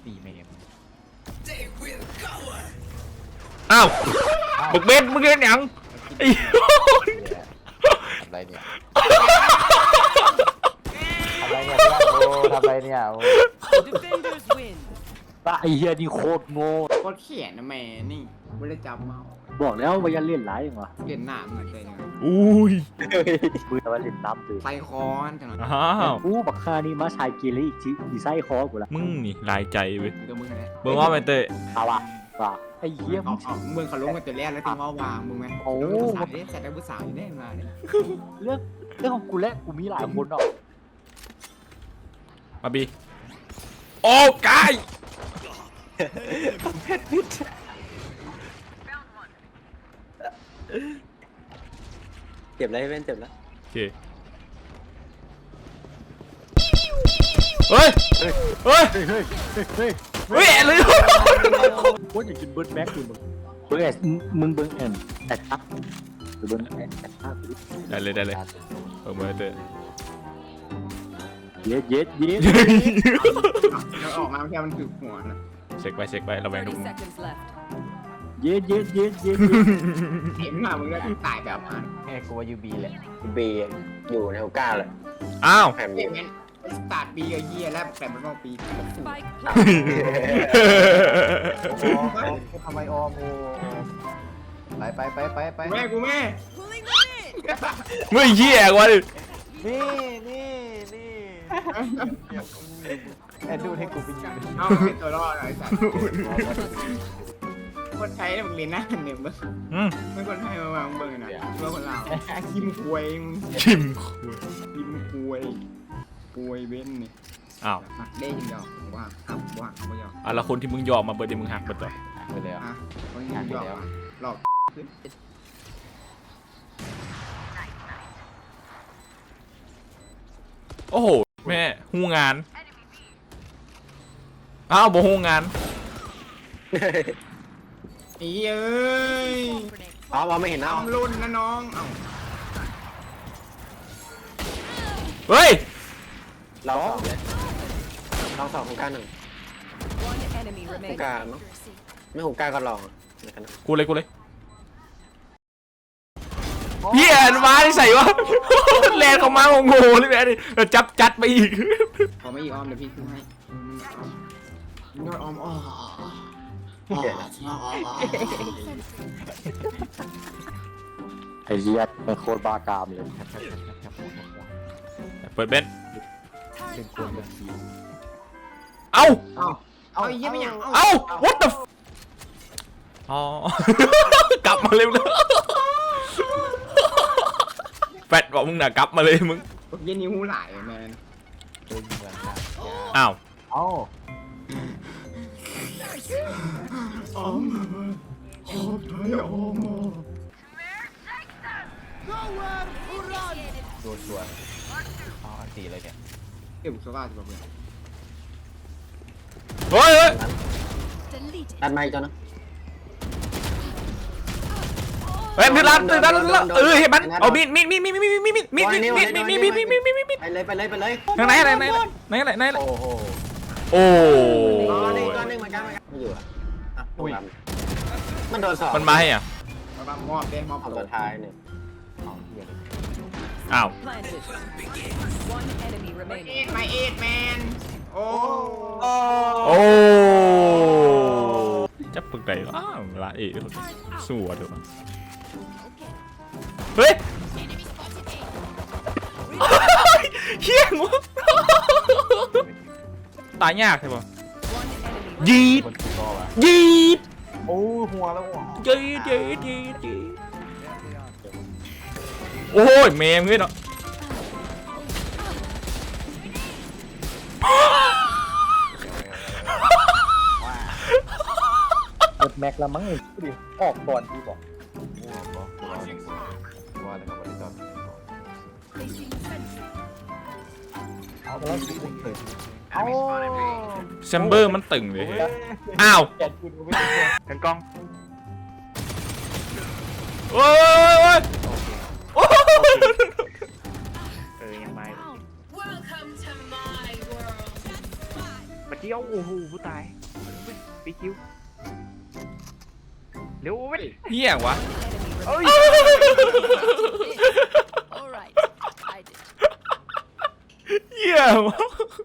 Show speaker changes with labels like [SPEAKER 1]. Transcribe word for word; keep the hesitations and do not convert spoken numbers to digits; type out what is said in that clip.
[SPEAKER 1] ตีเมม
[SPEAKER 2] อ้าวบึกเบนมึงเล่นยังไอ้
[SPEAKER 1] ทำไรเนี่ยทำไรเนี่ยโอ้ทำไรเนี่ยโอ้ไอ้เหี้ยนี่โคตรโง่
[SPEAKER 3] โคตรเขียนนะแม่นี่ไม่ได้จับเมา
[SPEAKER 1] บอกแล้วว่าอย่าเล่นร้ายอย่างวะ
[SPEAKER 3] เขียนหนาเหมือนเลยนะ
[SPEAKER 2] อุ้ย
[SPEAKER 1] ปืนว่าเล่นน้ำตื่น
[SPEAKER 3] ไซคอนจังหวะ
[SPEAKER 2] อ้าว
[SPEAKER 1] อู้บักคานี่มาชายกีรีจีดีไซน์คอกูละ
[SPEAKER 2] มึงนี่ลายใจเว้ย
[SPEAKER 3] กับมึงอะไร
[SPEAKER 2] เบิ่งว่าไปเตะ
[SPEAKER 1] เอาวะว่าไอ้เหี้ย
[SPEAKER 3] เอา
[SPEAKER 1] มึง
[SPEAKER 3] เอามึงเขาลงกันแต่แรกแล้วถึงว่าวางมึงไหมโอ้สายเนี่ยใส่ได้ผู้สาวอยู่แน่มาเนี่ย
[SPEAKER 1] เรื่องเรื่องของกูและกูมีหลายคนเนาะ
[SPEAKER 2] มาบีโอ้กาย
[SPEAKER 4] เจ็บแล้วเว้นเจ็บแล้ว
[SPEAKER 2] โอเคเฮ้ยเฮ้ย
[SPEAKER 1] เฮ้ยเฮ้ยเฮ้ย
[SPEAKER 2] เฮ้ยเลย
[SPEAKER 1] กูอยากกินเบิร์ดแม็กอยู่มึงเบิร์ดมึงเบิร์ดแอนแอดทักหรือเบิร์ดแอนแอดทัก
[SPEAKER 2] ได้เลยได้เลยเออมาเตะ
[SPEAKER 1] เย็ดเย็ดเย็ด
[SPEAKER 3] เราออกมาแค่มันคือหัวนะ
[SPEAKER 2] เช็คไปเช็คไประแวงทุก
[SPEAKER 5] thirty seconds left.
[SPEAKER 1] เย็ดเย็ดเย็ดเย็ด
[SPEAKER 3] เห็นมามึงแล้วตายแบบนั้น
[SPEAKER 1] แค่กูว่ายูบีแหละ
[SPEAKER 4] เบียอยู่ในโอกาสเลย
[SPEAKER 2] อ้าว
[SPEAKER 4] แถม
[SPEAKER 3] เห็นไหมสตาร์ทปีกับเฮียแล้วแต่มันก็ปี
[SPEAKER 5] Spike
[SPEAKER 1] ทำไมออมโอไปไปไปไปไป
[SPEAKER 3] แม่กูแม่
[SPEAKER 5] pulling them in.
[SPEAKER 2] ไม่เหี้ยกว่าดิ
[SPEAKER 1] นี่นี่นี่แอนดูให้กูไปยิง
[SPEAKER 3] เอาเป็นตัวรอดไอ้สัตว์คนไทยเนี่ยมึงเรียนหน้าเนี่ยมึง
[SPEAKER 2] อืม
[SPEAKER 3] ไม่คนไทยมาวางเบอร์นะเพื่อคนลาวคิมควย
[SPEAKER 2] ชิม
[SPEAKER 3] คิมควยควยเบ้นนี่
[SPEAKER 2] อ้าว
[SPEAKER 3] ได้ยินดอกว่าครับว่าไม่ยอม
[SPEAKER 2] อ่ะแล้วคนที่มึงยอมมาเบิร์ดที่มึงหักเบิร์ดต่อ
[SPEAKER 1] ไปแล้ว
[SPEAKER 3] อ่ะไม่ยอมหลอกขึ้น
[SPEAKER 2] โอ้โหแม่หูงานอ้าวบ่หูงาน
[SPEAKER 3] อีเอ้ย
[SPEAKER 4] อ๋อมองไม่เห็นนะ
[SPEAKER 3] ทำรุ่นนะน้องเอ้า
[SPEAKER 2] เฮ้ย
[SPEAKER 4] ลองสองเลยลองสองหูกาหนึ่ง
[SPEAKER 5] One enemy
[SPEAKER 4] หู
[SPEAKER 5] remaining.
[SPEAKER 4] กามั้งไม่หูกาก็ลองนะครับ
[SPEAKER 2] กูเลยกูเลยเหี้ยมาที่ใส่วะ แลนเขามาโง่ๆเลยแม่ดิแล้วจับจัดไปอีก
[SPEAKER 3] ขอไม่อีออมเดี๋ยวพี่ขึ้นให้นอดออมอ๋อ
[SPEAKER 1] ไอ้เหี้ยเป็นโคตรบ้ากามเลย
[SPEAKER 2] เปิดเบน
[SPEAKER 1] เป็นคนแบบนี้
[SPEAKER 2] เอ้า
[SPEAKER 3] เอาเอาไอ้เหี้ยไม่ยัง
[SPEAKER 2] เอ้า what the f อ๋อ กลับมาเร็วเลยแฟดบอกมึงน่ะกลับมาเลยมึง
[SPEAKER 3] เย็นนิ้วไหลแมน
[SPEAKER 1] เป็นเหมือนกัน
[SPEAKER 2] อ้าว
[SPEAKER 1] เอ้า
[SPEAKER 3] ออมออมไทยออม
[SPEAKER 1] โดนสวนอ๋ออันตีเลยเนี่ย
[SPEAKER 3] เก็บสกัดจะบอกเลย
[SPEAKER 2] เฮ้ยเฮ้ย
[SPEAKER 4] ดันไม่จ้ะนะ
[SPEAKER 2] เฮ้ยตื่นร้านตื่นร้านตื่นร้านเออเห็นมันเอามีดมีดมีดมีดมีดมีดมีดมีดมีดมีดมีดมีดมีดมีดมีดมีดมีดมีด
[SPEAKER 4] ไปเลยไปเลยไปเลย
[SPEAKER 2] ทางไหนไหนไหนไหนไหนไหนไหน
[SPEAKER 1] โอ้โห
[SPEAKER 2] โอ้
[SPEAKER 4] อ๋อนี่ตัวนึงเหมือนกันไม่อยู่อ่ะอุ้ยมันโดนสอง
[SPEAKER 2] มันมาให้อ่ะ
[SPEAKER 3] มาบ้างมอบเด้มอบ
[SPEAKER 4] เอา
[SPEAKER 3] โหล
[SPEAKER 4] ตัว
[SPEAKER 3] ด
[SPEAKER 4] ท้ายเนี่ย
[SPEAKER 1] เอาเหี้ย
[SPEAKER 2] อ้าว
[SPEAKER 5] Planted. One enemy
[SPEAKER 3] เอ็
[SPEAKER 5] remaining.
[SPEAKER 3] ดไมเอ็ดแมนโอ้
[SPEAKER 2] โอ้จับปึกไหนอ้าวละเอ๋สู้อ่ะเดี๋ยวเฮ้ยเฮี้ยงวะตายยากใช่ปะ
[SPEAKER 5] One enemy.
[SPEAKER 2] ยีด
[SPEAKER 1] คนกูก็วะ
[SPEAKER 2] ยีด
[SPEAKER 1] โอ้หัวแล้วหัว
[SPEAKER 2] ยีดยีดยีดยีดโอ้ยเมมเงี้ยเนาะ
[SPEAKER 1] เปิดแม็กแล้วมั้งดิออกก่อนดีบอกเอาไปแล้วสิเอา
[SPEAKER 2] แชมเบอร์มันตึงเลยเฮ้ยอ้าว
[SPEAKER 1] แกกูดูไม่ได้
[SPEAKER 2] กันกล้องโอ้ยโอ้ย
[SPEAKER 1] เออยังไม่
[SPEAKER 6] Welcome to my world. เดียวโอ้โหกูตายปีคิวเร็วเว้ย
[SPEAKER 2] เหี้ยวะ
[SPEAKER 5] Enemy
[SPEAKER 6] เอ้ย
[SPEAKER 5] All right. I did.
[SPEAKER 2] เหี้ยวะ